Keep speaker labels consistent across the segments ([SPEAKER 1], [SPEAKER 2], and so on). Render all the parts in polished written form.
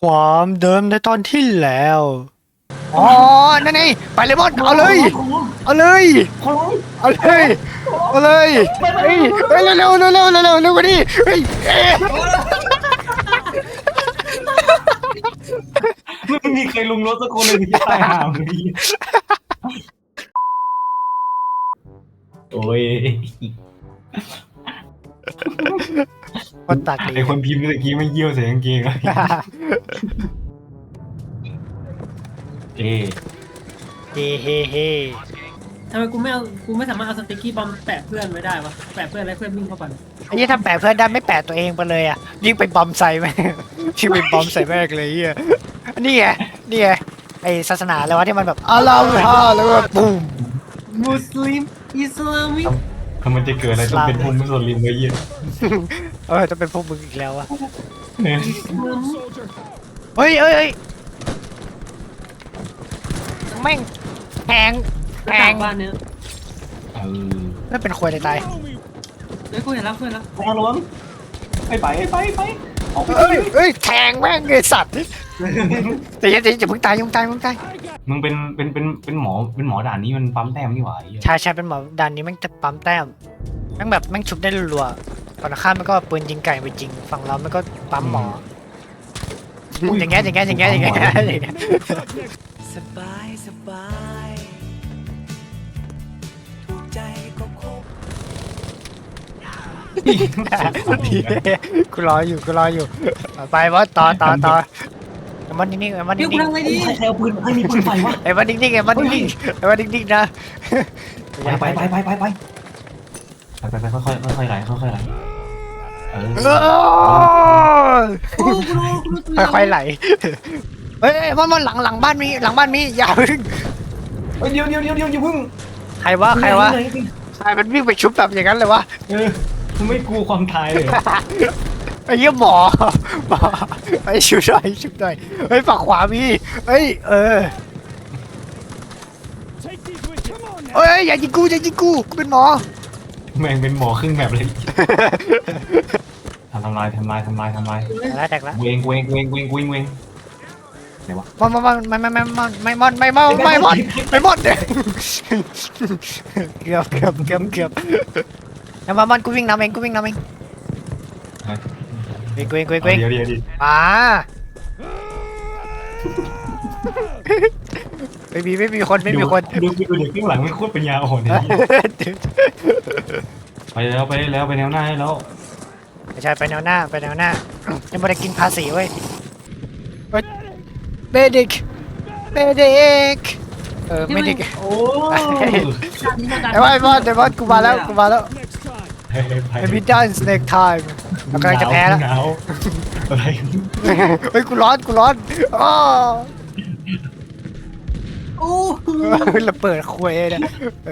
[SPEAKER 1] ความเดิมในตอนที่แล้วอ๋อนั่นไงไปเลยบอสเอาเลยเอาเลยเอาเลยเอาเลยเฮ้ยเฮ้ยเร็วเร็วเร็วเร็วเร็วเร็วเร็วกว่านี้เฮ้ยเอ๊ะ
[SPEAKER 2] ไม่มีใครลุมรถสักคนเลยที่จะตายห่าเลยโอ้ย
[SPEAKER 1] คนตักดี
[SPEAKER 2] ไอคนพิมพ์เมื่อกี้ไม่เยี่ยวใส่กางเกงเลยเอ๊ะ
[SPEAKER 1] เฮ้เฮ้เฮ้
[SPEAKER 3] ทำไมกูไม่สามารถเอาสติ๊กกี้บอมแปะเพื่อนไว้ได้วะแปะเพื่อนแล้วเพื่อนวิ่งเข้าไป
[SPEAKER 1] ไอ้ยี่ถ้าแปะเพื่อนได้ไม่แปะตัวเองไปเลยอ่ะยิ่งไปบอมใส่แม่งยิ่งไปบอมใส่แม่งเลยเฮียนี่ไงนี่ไงไอศาสนาอะไรวะที่มันแบบอัลลอฮฺฮะแล้วก็ปุ้ม
[SPEAKER 3] มุสลิมอิสลามิก
[SPEAKER 2] ถ้ามันจะเกิดอะไรต้องเป็นภูมิมุสลิมเลยเยี่ย
[SPEAKER 1] จะเป็นพวกมึงอีกแล้วอะ
[SPEAKER 2] เนี่ย
[SPEAKER 1] เฮ้ยเฮ้ยเฮ้ยแม่งแทงแท
[SPEAKER 3] ต่าง งบ้านเนี้ย
[SPEAKER 2] เออ
[SPEAKER 1] ไม่เป็นควยเลยตาย
[SPEAKER 3] เฮ้ยกูเห็นแล้วกูเห็นแล้ว
[SPEAKER 2] ไปเอาระวังไปออกไป
[SPEAKER 1] เฮ้ยเฮ้ยแทงแม่งไอสัตว์แต่ยังจะเพิ่งตายยังตายมึงตาย
[SPEAKER 2] มึงเป็นหมอด่านนี้มันปั๊มแต้มนี่หว่าไอ้เหี้ย
[SPEAKER 1] ใช่เป็นหมอดันนี้แม่งจะปั๊มแต้มแม่งแบบแม่งชุบได้รัวๆฝั่งข้ามมันก็ปืนยิงไก่ไปจริงฝั่งเรามันก็ปั๊มหมออย่างเงี้ย
[SPEAKER 4] สบายถูกใจก็คบ
[SPEAKER 1] กูรออยู่ไปว่าต่อมันนิ่งๆมัน
[SPEAKER 3] เดี๋ยวกู
[SPEAKER 1] นิ่ง
[SPEAKER 3] ทำไงดี
[SPEAKER 2] ใครเอาปืนให้มีปืนไฟวะ
[SPEAKER 1] ๆไอ้มันนิ่งๆมันนิ่งๆนะ
[SPEAKER 2] ไปค่อยไหลเออ
[SPEAKER 3] โอ้กูรู้ตัว
[SPEAKER 1] ค่อยๆไหลเฮ้ยมันหลังบ้านมีอย่าพึ่ง
[SPEAKER 2] เฮ้ยเดี๋ยวอย่าพึ่ง
[SPEAKER 1] ใครวะใครมันวิ่งไปชุบแบบอย่างนั้นเลยวะ
[SPEAKER 2] เออมึงไม่กลัวความตายเลย
[SPEAKER 1] ไอ้เหี้ยหมอไอ้ชุบหน่อยเฮ้ยฝั่งขวามีเฮ้ยเฮ้ยอย่ายิงกูกูเป็นหมอ
[SPEAKER 2] แม่งเป็นหมอครึ่งแบบเลยทำลาย
[SPEAKER 1] แตกแล้ว
[SPEAKER 2] เวงไหนวะ
[SPEAKER 1] ไม่มอนเกือบแล้วมันกูวิ่งนำเองเว้ง
[SPEAKER 2] เดี๋ยว
[SPEAKER 1] อ่าไม่มีคน
[SPEAKER 2] ดูเด็กข้างหลังไม่โคตรปัญญาอ่อนเลยไปแล้วไปแนวหน้าให้แล้ว
[SPEAKER 1] ไม่ใช่ไปแนวหน้ายังไม่ได้กินภาษีเว้ยเบดิกไม่ดิก
[SPEAKER 3] โอ้
[SPEAKER 1] ไอ้บอสกูมาแล้วไอ้บิดดันสเน็กไทม์เรากำลังจะแพ้แล้ว
[SPEAKER 2] หนาวอะไร
[SPEAKER 1] เฮ้ยกูร้อนอ้อ
[SPEAKER 3] โอ้
[SPEAKER 1] เราเปิดคุยเนี่ย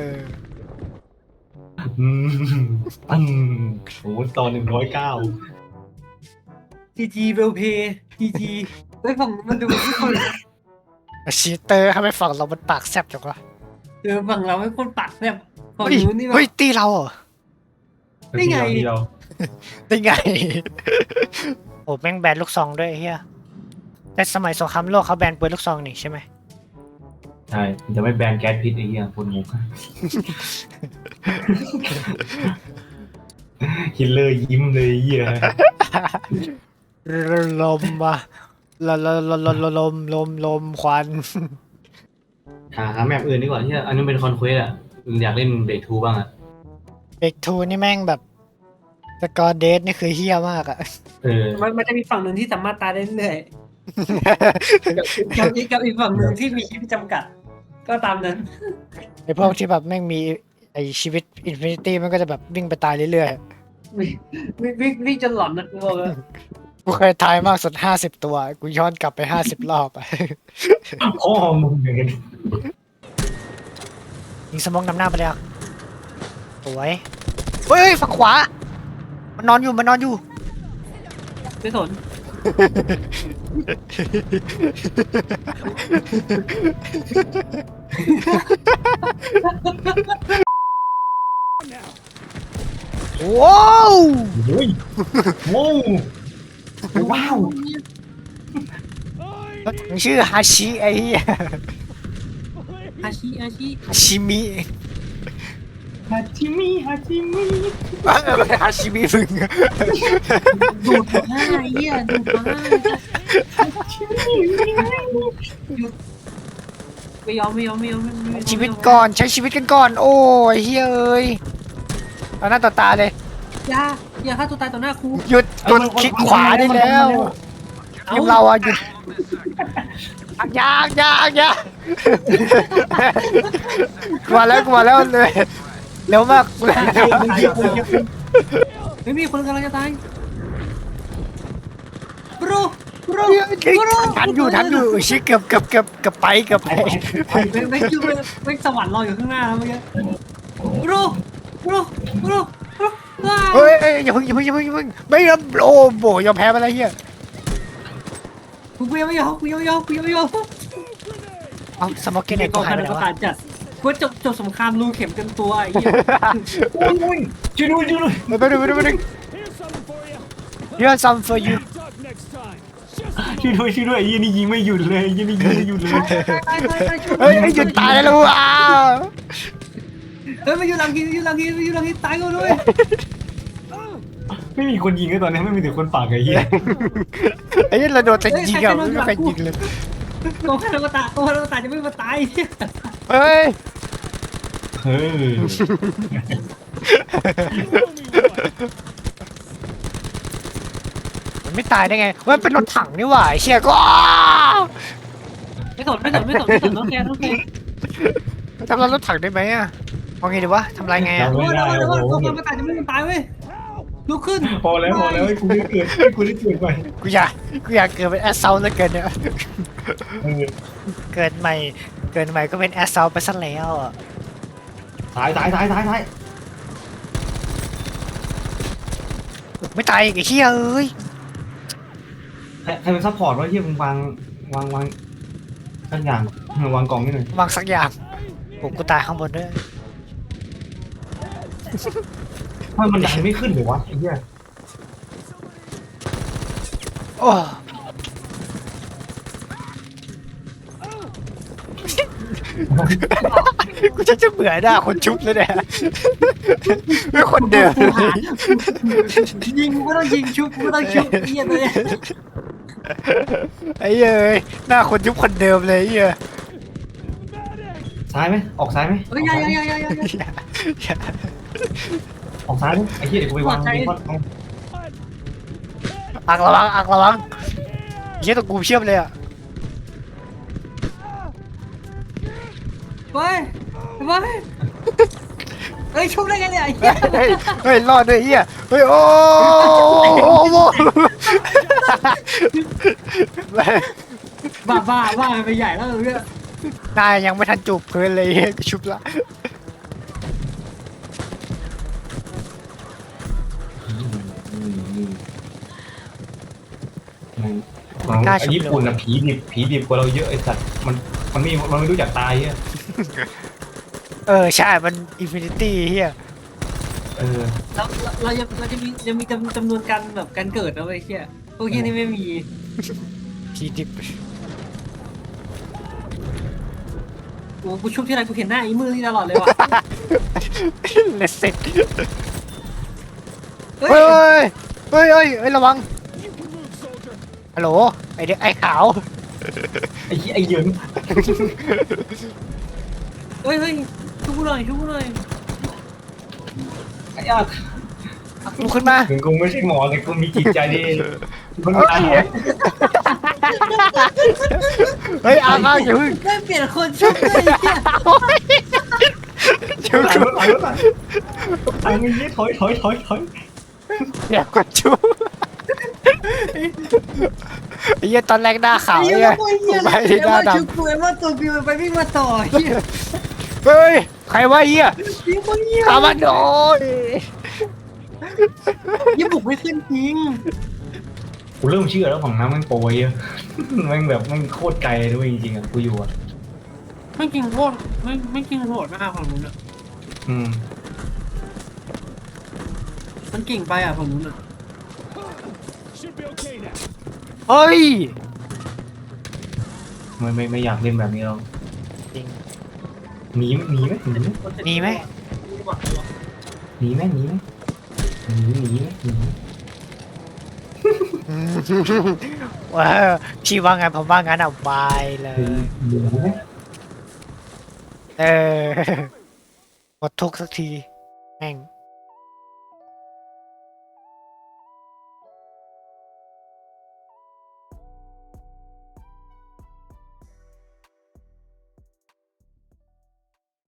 [SPEAKER 2] โอ้ตอน109
[SPEAKER 3] จีเวลเพย์จีเฮ้ยฝั่งมันดูไม่คน
[SPEAKER 1] ชีเตอร์ทำไมฝั่งเรามันปากแซ่บจังวะ
[SPEAKER 3] ฝั่งเราไม่คนปากแบบฝั่ง
[SPEAKER 1] เฮ้ย
[SPEAKER 3] นู้นนี่แบบ
[SPEAKER 1] เฮ้ยตีเราเหรอ
[SPEAKER 3] ได้ไง
[SPEAKER 2] เดียว
[SPEAKER 1] ได้ไงโอ้แม่งแบนลูกซองด้วยเฮียแต่สมัยสงครามโลกเขาแบนปืนลูกซองนี่ใช่ไหม
[SPEAKER 2] ใช่จะไม่แบนแก๊สพิษไอ้เหี้ยคนงงฮิลเลอร์ยิ้มเลยเหี้ย
[SPEAKER 1] ลมมาลมควัน
[SPEAKER 2] หาแมปอื่นดีกว่าที่อันนี้เป็นคอนเควสอ่ะอยากเล่นเบรกทูบ้างอ่ะ
[SPEAKER 1] เบกทูนี่แม่งแบบสกอร์เดทนี่คือเฮี้ยมากอะ
[SPEAKER 3] มันจะมีฝั่งหนึ่งที่สามารถตายได้เรื่อยๆกับอีกฝั่งหนึ่งที่มีชีวิตจำกัด ก็ตามนั้น
[SPEAKER 1] ไอพวกที่แบบแม่งมีไอชีวิตอินฟินิตี้มันก็จะแบบวิ่งไปตายเรื่อย
[SPEAKER 3] วิ่งจนหลอนนะกูบอกเลย
[SPEAKER 1] ๆกูเคยทายมากสุด50 ตัวกูย้อนกลับไป50 รอบอะ
[SPEAKER 2] พ่อมึงเนี่ย
[SPEAKER 1] ยิงสมองนำหน้าไปเลยอะสวยเฮ้ยฝั่งขวามันนอนอยู่
[SPEAKER 3] ไม่สน
[SPEAKER 1] ว้าว
[SPEAKER 2] โอ้ยว้าวว้าว
[SPEAKER 1] รถถังชื่อฮาชิไอ้เหี้ย
[SPEAKER 3] อาชี
[SPEAKER 1] ฮาชิมิ
[SPEAKER 2] ฮาจิมิฮาจิมิ
[SPEAKER 1] ฮาชิมิมึง
[SPEAKER 3] ดูดมาไอ้เหี้ยดูดมาหยุดไม่ยอม
[SPEAKER 1] ชีวิตก่อนใช้ชีวิตกันก่อนโอ้ยเฮ้ยเอ้ยเอาหน้าต่อตาเลย
[SPEAKER 3] อย่าฆ่าตัวตายต่อหน้าครู
[SPEAKER 1] หยุดกดคลิกขวาได้แล้วทีมเราอะหยุดยากกว่าแล้วเลยเร็วมาก
[SPEAKER 3] ไม่มีคนกำลังจะตายบรู
[SPEAKER 1] ทันอยู่ชิเกือบไป
[SPEAKER 3] ไม่สวรรค์รออยู่ข้างหน้าแล้วเมื่อกี้บรู
[SPEAKER 1] เฮ้ยอย่าเพิ่งไม่ยอมโอ้โหยอมแพ้ไปแล้วเฮีย
[SPEAKER 3] กูไม่ยอม
[SPEAKER 1] เอาสมอกเกนเน็ต
[SPEAKER 3] ก็
[SPEAKER 1] ก็หาย
[SPEAKER 3] ข
[SPEAKER 1] ไป
[SPEAKER 3] นาด
[SPEAKER 1] แล้ว
[SPEAKER 3] ประกาศจัดกูจบสงครามรูเข็มกันตัวไอ้เหี้ย
[SPEAKER 2] โอ้ยช่วยด้วย
[SPEAKER 1] ไปดูเรื่องซัม for you
[SPEAKER 2] ช่วยด้วยไอ้ยี่นี่ยิงไม่หยุดเลยยี่นี่ยิงไม่หยุดเลย
[SPEAKER 1] เฮ้ยหยุดตายแล้วว้า
[SPEAKER 3] เฮ้ยมาอยู่หลังทีตายกูด้วย
[SPEAKER 2] ไม่มีคนยิงเลยตอนนี้ไม่มีแต่คนปากไอ้เหี้ย
[SPEAKER 1] ไอ้นี่เราโดนแต่ยิงอะไม่มีใครยิงเลย
[SPEAKER 3] โกงให้เราตายจะไม่มาตาย
[SPEAKER 1] เฮ้ย
[SPEAKER 2] เฮ้ย
[SPEAKER 1] มันไม่ตายได้ไงมันเป็นรถถังนี่หว่าไอ้เชี่ยก็
[SPEAKER 3] ไม่สนน้องแก
[SPEAKER 1] ทำลายรถถังได้ไหมอะมองไงดีวะทำลายไงอะ
[SPEAKER 3] โอ้ยโกงมาตายจะไม่มาตายเว้ยลุกขึ้น
[SPEAKER 2] พอแล้วให้กูได้เกิดไป
[SPEAKER 1] กูอยากเกิดเป็นแอสเซลแล้วเกินเนี่ยเกิดใหม่ก็เป็นแอสเซลไปซะแล้วอะ
[SPEAKER 2] ตาย
[SPEAKER 1] ไม่ตายอีกไอ้เชี่ยเอ้ย
[SPEAKER 2] ใครเป็นซัพพอร์ตวะเหี้ยมึงวางสักอย่างวางกล่องนี่หน่อยว
[SPEAKER 1] างสักอย่างกูตายข้างบนด้วย
[SPEAKER 2] มันดันไม่ขึ้นเลยวะไอ้เหี้ย
[SPEAKER 1] โอ้กูจะเบื่อหน้าคนชุบแล้วเนี่ยไม่คนเดิม
[SPEAKER 3] ยิงกูไม่ต้องยิงชุบกูไม่ต้องชุบเหี้ยเลย
[SPEAKER 1] ไอ้เอ้ยหน้าคนชุบคนเดิมเลยไอ้เหี้ย
[SPEAKER 2] ซ้ายไหมออกซ้ายไหม
[SPEAKER 3] เฮ้ยอย่า
[SPEAKER 2] ออกซ้ายไหมไอ้เหี้ยเดี๋ยวกูไปวางยิงวัด
[SPEAKER 1] อักระวังเหี้ยตัวกูเชื่อมเลยอ่ะ
[SPEAKER 3] เฮ้ยชุบได้ไงเนี่ย
[SPEAKER 1] เฮ้ยรอดด้วยเหี้ยเฮ้ยโอ้โห
[SPEAKER 3] บ้าไปใหญ่แล้วเนี่ย
[SPEAKER 1] นายยังไม่ทันจูบพื้นเลยเหี้ยกูชุบละ
[SPEAKER 2] ญี่ปุ่นอะผีดิบกว่าเราเยอะไอ้สัตว์มันไม่รู้จักตายเหี้ย
[SPEAKER 1] ใช่มันอินฟินิตี้เหี้ย
[SPEAKER 3] เราจะมีจำนวนการแบบการเกิดนะเว้ยเหี้ยพวกเหี้ยนี่ไม่มี
[SPEAKER 1] พีดิบ
[SPEAKER 3] กูชุบที่ไรกูเห็นหน้าอีมือที่ตลอดเลยว่ะ
[SPEAKER 1] เลสเซ็ตเฮ้ยระวังฮัลโหลไอเด็กไอขาว
[SPEAKER 2] ไอ้เหยิง
[SPEAKER 3] เฮ้ยชุบกูหน่อย
[SPEAKER 2] ไอ้ญาติ
[SPEAKER 1] ลุกขึ้นมา
[SPEAKER 2] ถึงกูไม่ใช่หมอแต่กูมีจิตใจดีมันตาย
[SPEAKER 1] เฮ้ยอาบ้าอย่าพึ่ง
[SPEAKER 3] ได้เปลี่ยนคนชุบเลยเนี่ย
[SPEAKER 1] ชุบ
[SPEAKER 2] ตายไม่ยี่ถอย
[SPEAKER 1] อยากกดชุบไอ้เหี้ยตอนแรกหน้าขาวเนี่ยไปที่หน้าด
[SPEAKER 3] ชุบกูไอ้ว่าตัวกูมันไปวิ่งมาต่อเหี้ย
[SPEAKER 1] ำเฮ้ยใครว่าเหี้ยขามันโดน
[SPEAKER 3] ยิ่งบุกไม่ขึ้นจริง
[SPEAKER 2] กูเริ่มเชื่อแล้วของน้ำมันโปรยอะมันแบบมันโคตรไกลด้วยจริงๆอะกูอยู่อะ
[SPEAKER 3] ไม่จริงโคตรไม่จริงโหดมากของนู้นอ่ะ มันเก่งไปอ่ะของนู้นอ่ะ
[SPEAKER 1] เฮ้ย
[SPEAKER 2] ไม่อยากเล่นแบบนี้หรอก
[SPEAKER 1] จริง
[SPEAKER 2] หนีไหมหนีไหมหนีไหม
[SPEAKER 1] หนีไหม
[SPEAKER 2] หนีไหมหนีไหมหนีไหมหนีไหม
[SPEAKER 1] อืมว้าวพี่ว่าไงผมว่างั้นเอาไปเลย
[SPEAKER 2] หนีไหม
[SPEAKER 1] เออหมดทุกข์สักทีแม่ง